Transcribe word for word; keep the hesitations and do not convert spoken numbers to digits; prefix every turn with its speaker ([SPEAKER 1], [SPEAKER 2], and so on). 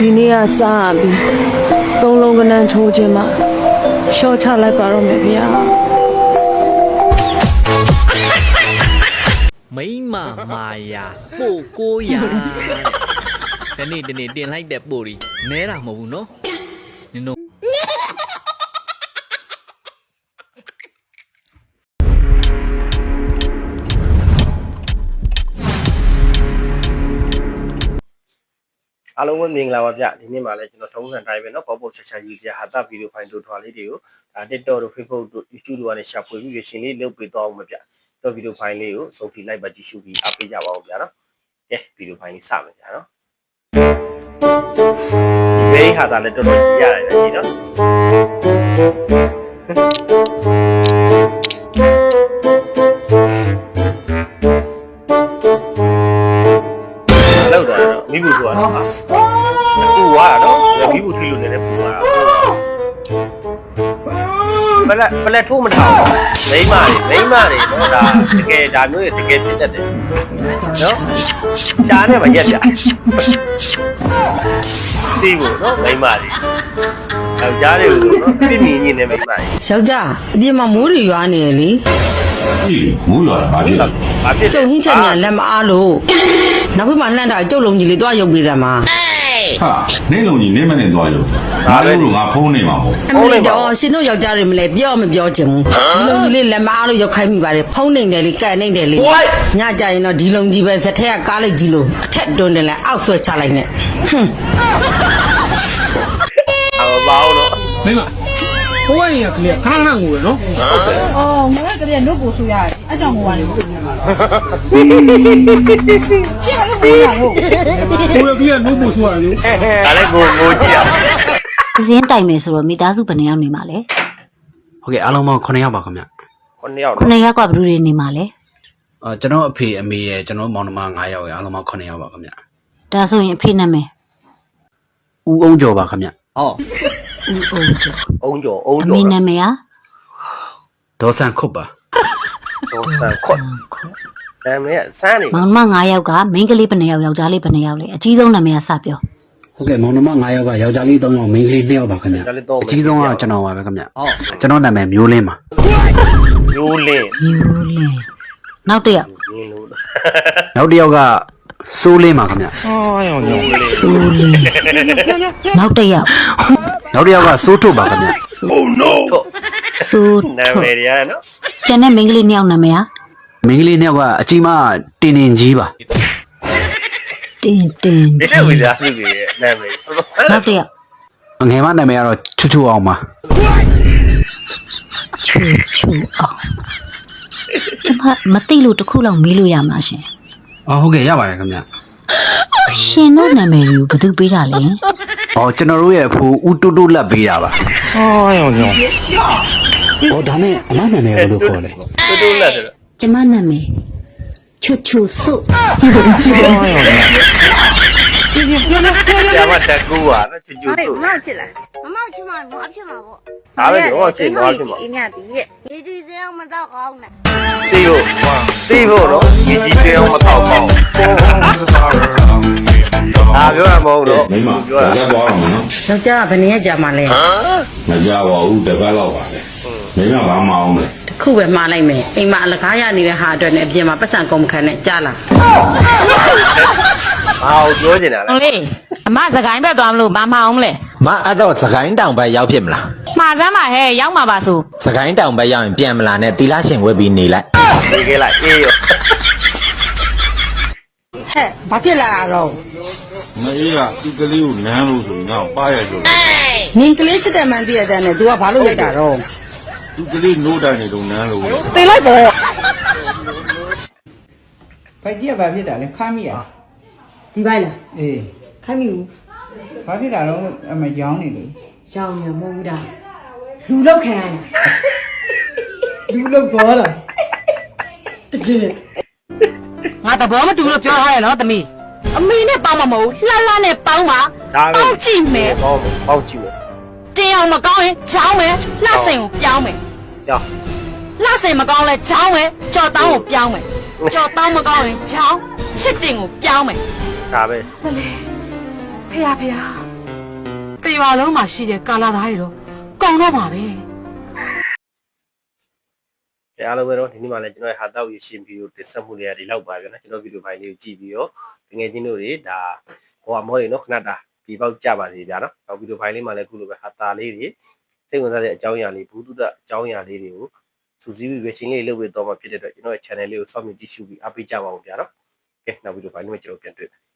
[SPEAKER 1] ဒီနေ့ကစားပြီးသုံးလုံးကနန်းထိုးခြင်းမှာရှော့ချလိုက်ပါတော့မယ်ဗျာ
[SPEAKER 2] မိမမာယာပို့ကိုရာဒီနေ့ဒီနေ့တင်လိုက်တဲ့ပို့ဒီနဲတာမဟုတ်ဘူးနော်နင်တို့
[SPEAKER 3] အားလုံးပဲမင်္ဂလာပါဗျဒီနေ့မှလည်းကျွန်တော်ထုံးစံတိုင်းပဲเนาะပေါ့ပေါ့ချက်ချက်ရေးစရာဟာတာဗီဒီယိုဖိုင်တို့ထွာလေးတွေကိုဒါ TikTok တို့ Facebook တို့ YouTube တို့ကနေရှာဖွေပြီးရရှင်လေးလုပ်ပေးသွားအောင်ပဲဗျတော့ဗီဒီယိုဖိုင်လေးကိုစုံထီလိုက်ပါကြည့်ရှုပြီးအားပေးကြပါဦးဗျာเนาะကဲဗီဒီယိုဖိုင်လေးစမယ်ဗျာเนาะဒီဖေးဟာတာလည်းတော်တော်ကြီးရတယ်ကြီးเนาะလောက်တော့မိဘူးဆိုတာတော့ပူသွားတာတော့မိဘူးထိလို့လည်းပူသွားတာဘလက်ဘလက်ထိုးမထောင်မိမတွေမိမတွေတော့ဒါတကယ်ဒါမျိုးတကယ်ဖြစ်တတ်တယ်နော်ရှားနဲ့မရက်ကြသိဖို့နော်မိမတွေယောက်ျားတွေကိုနော်ပြင်းပြင်းညင်းနေမိမတွေ
[SPEAKER 4] ယောက်ျားအပြင်မှာမိုးတွေရွာနေရလေ
[SPEAKER 5] အေးမိုးရွာတာဘာဖြစ်လဲ
[SPEAKER 3] ဘာဖြစ်
[SPEAKER 4] ကျုပ်ဟင်းချက်ညာလက်မအားလို့နောက်ဘက်မှာလှမ်းတာကျုပ်လုံးကြီးလေးသွားရုပ်ပေးတယ်မှာ
[SPEAKER 5] ဟာနေလုံးကြီးနေမနဲ့သွားရုပ်ဒါလည်းလို့ငါဖုန်းနေမှာပေါ့
[SPEAKER 4] ဖုန်းနေတော့ရှင်တို့ယောက်ျားတွေမလဲပြောမပြောချင်ဘူးဒီလုံးကြီးလေးလက်မအားလို့ရောက်ခိုင်းမိပါတယ်ဖုန်းနေတယ်လေကန်နေတယ်လေညကြရင်တော့ဒီလုံးကြီးပဲဇက်ထက်ကကားလိုက်ကြီးလို့အထက်တွန်းတယ်လဲအောက်ဆွဲချလိုက်နဲ့ဟွန်း
[SPEAKER 3] အော်ဘာလို့
[SPEAKER 6] မိမဟိုကနေကလေးခါခါငိုရနော်
[SPEAKER 3] ဟုတ်တယ်
[SPEAKER 7] အော်ငါကတည်းကနှုတ်ကိုဆိုရတယ်အကြောင်းငိုရတယ်ဟုတ်တယ်ရှင်းလို့ပြောရဟုတ်
[SPEAKER 6] ဟိုကလေးကနှုတ်ကိုဆိုရတယ်
[SPEAKER 3] ဒါလည်းငိုငိုကြည့်ရ
[SPEAKER 8] ရင်းတိုင်မယ်ဆိုတော့မိသားစုဘယ်နှယောက်နေမှာလဲ
[SPEAKER 2] ဟုတ်ကဲ့အားလုံးပေါင်း9ယောက်ပါခင်ဗျ
[SPEAKER 3] 9ယောက်
[SPEAKER 8] 9ယောက်ကဘယ်သူတွေနေမှာလဲ
[SPEAKER 2] အာကျွန်တော်အဖေအမေရဲ့ကျွန်တော်မောင်နှမ9ယောက်ရဲ့အားလုံးပေါင်း9ယောက်ပါခင်ဗျ
[SPEAKER 8] ဒါဆိုရင်အဖေနာမည်
[SPEAKER 2] ဦးအောင်ကျော်ပါခင်ဗျဟော
[SPEAKER 8] ဦးအောင်ကျော်
[SPEAKER 3] အုံးကျော်အုံးကျော်
[SPEAKER 8] အမေနာမည်က
[SPEAKER 2] ဒေါ်ဆန်ခုတ်ပါ
[SPEAKER 3] ဒေါ်ဆန်ခုတ်နာမည်ဆန်းနေ
[SPEAKER 8] မောင်နှမ9ယောက်ကမိန်းကလေးဘယ်နှယောက်ယောက်ျားလေးဘယ်နှယောက်လဲအကြီးဆုံးနာမည်ကစပြော
[SPEAKER 2] ဟုတ်ကဲ့မောင်နှမ9ယောက်ကယောက်ျားလေး3ယောက်မိန်းကလေး2ယောက်ပါခင်ဗျအကြီးဆုံးကကျွန်တော်ပါပဲခင်ဗျဟုတ်ကျွန်တော်နာမည်မျိုးလင်းပါ
[SPEAKER 3] မျိုးလင်း
[SPEAKER 8] မျိုးလင်းနောက်တစ်ယောက်
[SPEAKER 2] နောက်တစ်ယောက်ကစိုးလင်းပါခင်ဗျ
[SPEAKER 3] အော်ရောင်ရောင်
[SPEAKER 8] စိုးလင်းနောက်တစ်ယောက်
[SPEAKER 2] နောက်တစ်ယောက်ကစိုးထုတ်ပါခင်ဗျ
[SPEAKER 3] Oh no
[SPEAKER 8] စိုး
[SPEAKER 3] နာမည်ရနော်
[SPEAKER 8] ကျန်တဲ့မိန်းကလေး2ယောက်နာမည်က
[SPEAKER 2] မိန်းကလေး2ယောက်ကအကြီးမတင်တင်ကြီးပါ
[SPEAKER 8] တင်တင်
[SPEAKER 3] ဒီလိုဝိသားစုကြီးရဲ့နာမည်
[SPEAKER 8] နောက်တစ်ယောက်
[SPEAKER 2] ငယ်မနာမည်ကတော့ချူချူအောင်ပါ
[SPEAKER 8] ချူချူအောင်ကျွန်မမသိလို့တခုလောက်မေးလို့ရမှာရှင်
[SPEAKER 2] အော်ဟုတ်ကဲ့ရပါတယ်ခင်ဗျ
[SPEAKER 8] ရှင်တို့နာမည်ကိုဘယ်သူပေးတာလဲ
[SPEAKER 2] အော်ကျွန်တော်တို့ရဲ့အဖိုးဦးတူတူလက်ပေးတာပါ
[SPEAKER 3] အော်ရောင်ရောင်
[SPEAKER 2] အော်ဒါနဲ့အမနာမည်ဘယ်လိုခေါ်လဲ
[SPEAKER 3] တူတူလက်တယ်
[SPEAKER 8] ကျမနာမည်ချူချူစု
[SPEAKER 3] ဆရာမတက်ကူပါနော်ချူချူစု
[SPEAKER 7] မောက်ချစ်လားမမောက်ချင်မှနွားဖြစ်မှာပေါ့
[SPEAKER 3] ဒါပဲတော့ချစ်နွားဖြစ်မှာ
[SPEAKER 7] အင်းမြပြီရဲ့ရေဒီစအောင်မတော့ကောင်းနဲ့
[SPEAKER 3] သိဖို့သိဖို့နော်ရေကြီးစအောင်မတော့ကောင်းအာပြောရမဟုတ်တော့
[SPEAKER 5] မိမပြောရသွားအောင်နော်
[SPEAKER 4] ယောက်ျားကဘယ်နည်းကြာမှလဲ
[SPEAKER 5] မကြပါဘူးတပတ်လောက်ပါလေမိမဘာမအောင်လဲ
[SPEAKER 4] တခုပဲမှားလိုက်မယ်အိမ်မှာအလကားရနေတဲ့ဟာအတွက်နဲ့အပြင်မှာပတ်စံကုန်မခံနဲ့ကြားလား
[SPEAKER 3] ဘာကိုပြောနေတာလဲ
[SPEAKER 8] ဟုတ်လေအမစကိုင်းဘက်သွားမလို့မမအောင်မလဲ
[SPEAKER 9] မအဲ့တော့စကိုင်းတောင်ဘက်ရောက်ဖြစ်မလား
[SPEAKER 8] မှားစမ်းပါဟဲ့ရောက်မှာပါဆို
[SPEAKER 9] စကိုင်းတောင်ဘက်ရောက်ရင်ပြန်မလာနဲ့တီလာရှင်ဝက်ပြီးနေလိုက်
[SPEAKER 3] နေခဲ့လိုက်အေးရော
[SPEAKER 4] ဟဲ့ဘာဖြစ်လာတော့
[SPEAKER 5] မအေးကဒီကလေးကိုနမ်းလို့ဆိုငါ့ပါရလို့
[SPEAKER 4] နင်ကလေးချစ်တဲ့မှန်တည့်ရတဲ့နဲ့ तू ကဘာလို့လိုက်တာတော့
[SPEAKER 5] ဒီကလေးနိုးတိုင်းနေတော့နမ်းလို့
[SPEAKER 4] တေးလိုက်ပေါ့ဘိုက်ကြီးကဘာဖြစ်တာလဲခါမိရဒီဘိုက်လားအေးခါမိဘူးဘာဖြစ်တာတော့အမရောင်းနေလို့ရောင်းရမဟုတ်တာလူလောက်ခံရလူလောက်ပေါ်လာတကယ်ငါတဘောမတူလို့ပြောထားရနော်သမီးအမေနဲ့ပေါင်းမှာမဟုတ်လှလှနဲ့ပေါင်းပါပေါင်းကြည့်မယ်
[SPEAKER 3] ပေါင်းပေါင်းကြည့်မယ်
[SPEAKER 4] တင်းအောင်မကောင်းရင်ချောင်းမယ်လှစင်ကိုပြောင်းမယ်
[SPEAKER 3] ကြောက်
[SPEAKER 4] လှစင်မကောင်းလဲချောင်းမယ်ကြော်တောင်းကိုပြောင်းမယ်ကြော်တောင်းမကောင်းရင်ချောင်းချစ်တင်ကိုပြောင်းမယ်
[SPEAKER 3] ဒါပဲ
[SPEAKER 4] မလေးဖေရဖေရ
[SPEAKER 1] တရွာလုံးမှာရှိတဲ့ကာလာသားတွေတော့ကုန်တော့ပါပဲ
[SPEAKER 3] အားလုံးပဲတော့ဒီနေ့မှလည်းကျွန်တော်ရဲ့ဟာတောက်ရရှင်ဗီဒီယိုတင်ဆက်မှုတွေကဒီလောက်ပါပဲနော်ကျွန်တော်ဗီဒီယိုဖိုင်လေးကိုကြည့်ပြီးတော့ငွေချင်းတို့တွေဒါဟိုအမောတွေနော်ခဏတာဒီပေါက်ကြပါစေဗျာနော်နောက်ဗီဒီယိုဖိုင်လေးမှလည်းခုလိုပဲဟာတာလေးတွေစိတ်ဝင်စားတဲ့အကြောင်းအရာလေးဘူးတုဒအကြောင်းအရာလေးတွေကိုစူးစီးပြီးပဲရှင်းလေးလုပ်ပေးတော့မှဖြစ်တဲ့အတွက်ကျွန်တော်ရဲ့ channel လေးကိုစောင့်မျှော်ကြည့်ရှုပြီးအားပေးကြပါဦးဗျာနော်ကဲနောက်ဗီဒီယိုဖိုင်လေးမှာကျွန်တော်ပြန်တွေ့